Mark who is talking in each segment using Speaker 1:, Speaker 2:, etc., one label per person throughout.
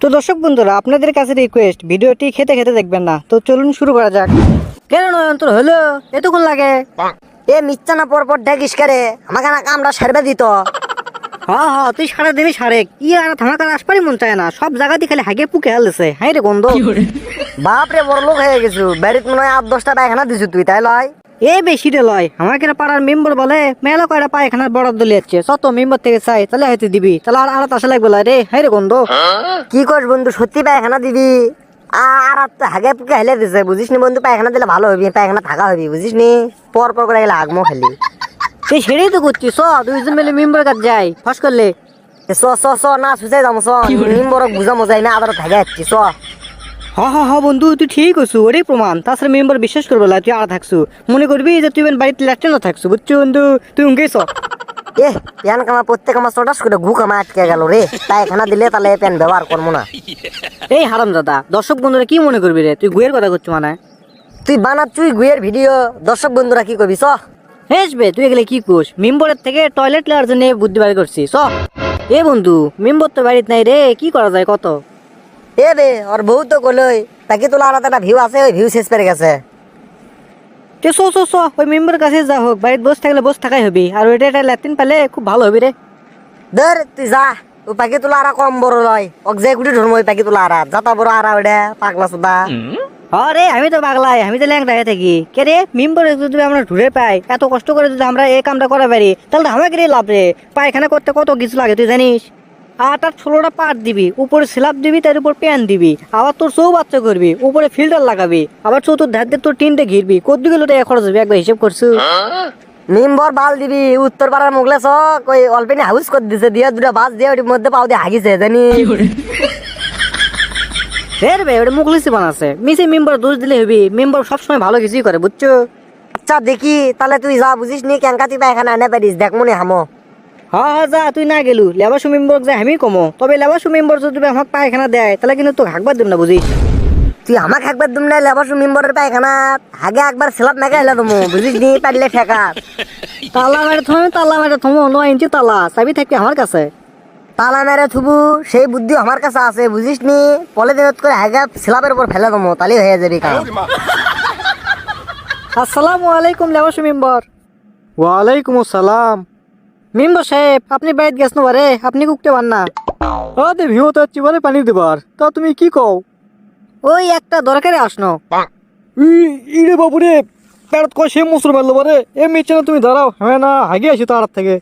Speaker 1: তো দর্শক বন্ধুরা, আপনাদের কাছে রিকোয়েস্ট, ভিডিওটি খেতে খেতে দেখবেন না। তো চলুন শুরু করা যাক। কেন নয়ন্তর হলো এতক্ষণ লাগে?
Speaker 2: এ মিথ্যা না পর ডাকিস করে আমাকে না কামড়া সারবে দিত।
Speaker 1: হ্যাঁ হ্যাঁ, তুই সারা দিবি সারেক আর থামাকার আসপারই মন চায় না। সব জায়গাতে খালি হাগে পুকে হালছে। হাই রে গন্ধ।
Speaker 2: বাপ রে বড় লোক হয়ে গেছু, বাড়িতে মনে হয় 8-10টা পায়খানা দিছু তুই, তাই লয়?
Speaker 1: এ বেশি রে লয়, আমাকে পাড়ার মেম্বার বলে মেলা কয়টা পায়খানার বরাদ্দ লিয়াচ্ছে, শত মেম্বার থেকে চাই তাহলে হয়তো দিবি, তাহলে আর আসা লাগবে রে। হাই রে গন্ধ।
Speaker 2: কি করিস বন্ধু, সত্যি পায়খানা দিবি? আর তো হাগে পুকে হেলে দিছে, বুঝিস নি বন্ধু? পায়খানা দিলে ভালো হবি, পায়খানা থাকা হবি, বুঝিস নি? পর করে গেলে আগমো খালি।
Speaker 1: তুই সেটাই তো করছিস। দুইজন মিলে মেম্বার কাজ যাই ফাঁস করলে।
Speaker 2: চ না সুচাই যাম, নিম্বরক বুঝা মজাই না, আবার থাকে যাচ্ছি চ।
Speaker 1: হ বন্ধু, তুই ঠিক আছু, ওটাই প্রমাণ। তাছাড়া মেম্বার বিশ্বাস করবো না তুই আর থাকছু, মনে করবি যে তুই বাড়িতে ল্যাট্রিনও থাকছু, বুঝছো বন্ধু? তুই উঙ্গেছ
Speaker 2: প্যান কামা প্রত্যেক আমার চটাস করে ঘু কামা আটকে গেল রে। পায়খানা দিলে তাহলে প্যান ব্যবহার করবো না।
Speaker 1: এই হারাম দাদা, দর্শক বন্ধুরা কি মনে করবি রে? তুই গুয়ের কথা করছো মানে?
Speaker 2: তুই বানাচ্ছুই গুয়ের ভিডিও, দর্শক বন্ধুরা কি করবি? চ
Speaker 1: হেসবে তুই এগুলো কি কোস? মেম্বরের থেকে টয়লেট লেয়ার জন্য বুদ্ধি বাড়ি করছিস। এ বন্ধু, মেম্বর তো বাড়িতে নাই রে, কি করা যায় কত?
Speaker 2: এ বে ওর বউ তো কলই তাকে তোলা আর একটা ভিউ আছে, ওই ভিউ শেষ পেরে গেছে।
Speaker 1: ওই মেম্বার কাছে যা হোক, বাড়িতে বসে থাকলে বসে থাকাই হবি, আর ওইটা একটা ল্যাট্রিন পেলে খুব ভালো হবি রে।
Speaker 2: ধর তুই যা, ওই পাখি তোলা আর কম বড় লয়, ওক যে কুটি ধরবো ওই পাখি তোলা আর যাতা বড় আর ওইটা পাগলা সুদা।
Speaker 1: আরে আমি তো পাগলাই, আমি তো ল্যাংটা হয়ে থাকি। কে রে, মেম্বার যদি আমরা ঘুরে পাই, এত কষ্ট করে যদি আমরা এই কামটা করা পারি, তাহলে আমাকে রে লাভ রে। পায়খানা করতে কত কিছু লাগে তুই জানিস? আর তার 16টা পাট দিবি, উপরে স্ল্যাব দিবি, তার উপর প্যান দিবি, আবার তোর চৌবাচ্চা করবি, উপরে ফিল্টার লাগাবি, আবার চতুর্ধার দিয়ে তোর টিনটা ঘিরবি, কত গেলো টাকা খরচ হবে একবার হিসেব করছু?
Speaker 2: নিম্বর বাল দিবি, উত্তর পাড়ার মুগলে চক ওই অল্পেনি হাউস করে দিছে, দিয়ে দুটা বাস দিয়ে ওটির মধ্যে পাও দিয়ে হাগিছে জানি।
Speaker 1: ফের বে ওটা মুখলিসি বানাচ্ছে, মিসে মেম্বার দোষ দিলে হবি। মেম্বার সবসময় ভালো কিছুই করে, বুঝছো?
Speaker 2: আচ্ছা দেখি তাহলে, তুই যা, বুঝিস নি কেঙ্কা তুই পায়খানা এনে পারিস, দেখ মনে হামো।
Speaker 1: হ্যাঁ যা, তুই না গেলু লেবাসু মেম্বার যে আমি কমো, তবে লেবাসু মেম্বার যদি আমাকে পায়খানা দেয় তাহলে কিন্তু তো হাঁকবার দেব না, বুঝিস?
Speaker 2: তুই আমাকে একবার দুম নাই লেবাসু মেম্বরের পায়খানা আগে একবার স্ল্যাব মেঘা হেলে তুমি, বুঝিস নি? পারলে ঠেকা
Speaker 1: তালা মেরে থমো 9 ইঞ্চি তালা, চাবি থাকবে আমার কাছে।
Speaker 2: তালা মেরে থুবু সেই বুদ্ধি আমার কাছে আছে, বুঝিস নি? পলে দিনত করে হাগা স্ল্যাবের উপর ফেলে দমো, তাহলে হয়ে যাবে কাম।
Speaker 1: আসসালামু আলাইকুম লেবাসু মেম্বার।
Speaker 3: ওয়ালাইকুম আসসালাম।
Speaker 1: মেম্বার সাহেব, আপনি বাড়িতে গেছেন বারে, আপনি কুকতে পার না?
Speaker 3: আরে ভিউতে যাচ্ছি মানে পানি দেবার, তা তুমি কি কও?
Speaker 1: ওই একটা দরকারে আসনো।
Speaker 3: ইরে বাবুরে, পেড়ত কয় সে মুসুর মারলো বারে। এ মিচ্ছে না, তুমি দাঁড়াও, হ্যাঁ না হাগে আসি তার থেকে।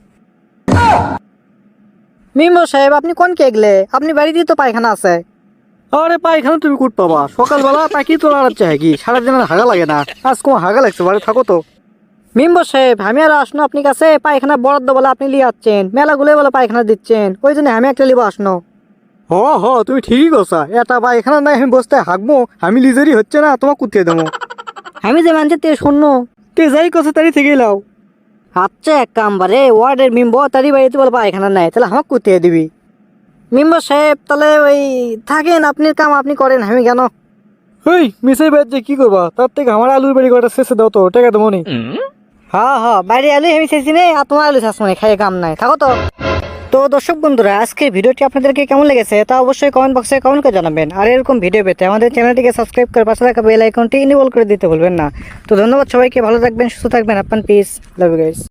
Speaker 1: মেম্বার সাহেব, আপনি কোন কে গেলে? আপনি বাড়িতেই তো পায়খানা আছে।
Speaker 3: আরে পায়খানা তুমি কুট পাবা? সকালবেলা পাখি তো লড়াচ্ছে হাগি, সারাদিন আর হাগা লাগে না। আজ কোনো হাগা লাগছে, বাড়ি থাকো তো।
Speaker 1: মেম্বার সাহেব, আমি আর আসনো আপনি কাছে, পায়খানা বরাদ্দ বলে আপনি লিয়ে যাচ্ছেন, মেলাগুলো বলে পায়খানা দিচ্ছেন, ওই জন্য আমি একটা লিব আসনো।
Speaker 3: তুমি ঠিকই কথা, এটা পায়খানা নাই আমি বসতে হাগবো, আমি লিজারি হচ্ছে না, তোমার কুতিয়ে দেবো।
Speaker 1: আমি যে মানছি তে শূন্য।
Speaker 3: তে যাই কথা তারি থেকে লাও।
Speaker 1: আচ্ছা এক কাম বারে, ওয়ার্ডের মেম্বার তারই বাড়িতে বলে পায়খানা নাই, তাহলে আমাকে কুতিয়ে দিবি। মেম্বার সাহেব তাহলে ওই থাকেন, আপনার কাম আপনি করেন, আমি কেন?
Speaker 3: ওই মিসাই বাদ যে কি করবা, তার থেকে আমার আলুর বাড়ি কটা শেষে দাও তো, টাকা দেবো নি।
Speaker 1: হ্যাঁ বাইরে আলু আমি চাইছি নে, আর তোমার আলু চাষ মানে খাইয়ে কাম নাই, থাকো তো। তো দর্শক বন্ধুরা, আজকের ভিডিওটি আপনাদেরকে কেমন লেগেছে তা অবশ্যই কমেন্ট বক্সে কমেন্ট করে জানাবেন। আর এরকম ভিডিও পেতে আমাদের চ্যানেলটিকে সাবস্ক্রাইব করে পাশে থাকা বেল আইকনটি ইনেবল করে দিতে ভুলবেন না। তো ধন্যবাদ সবাইকে, ভালো থাকবেন, সুস্থ থাকবেন, আপনার পিস, লাভ ইউ গাইস।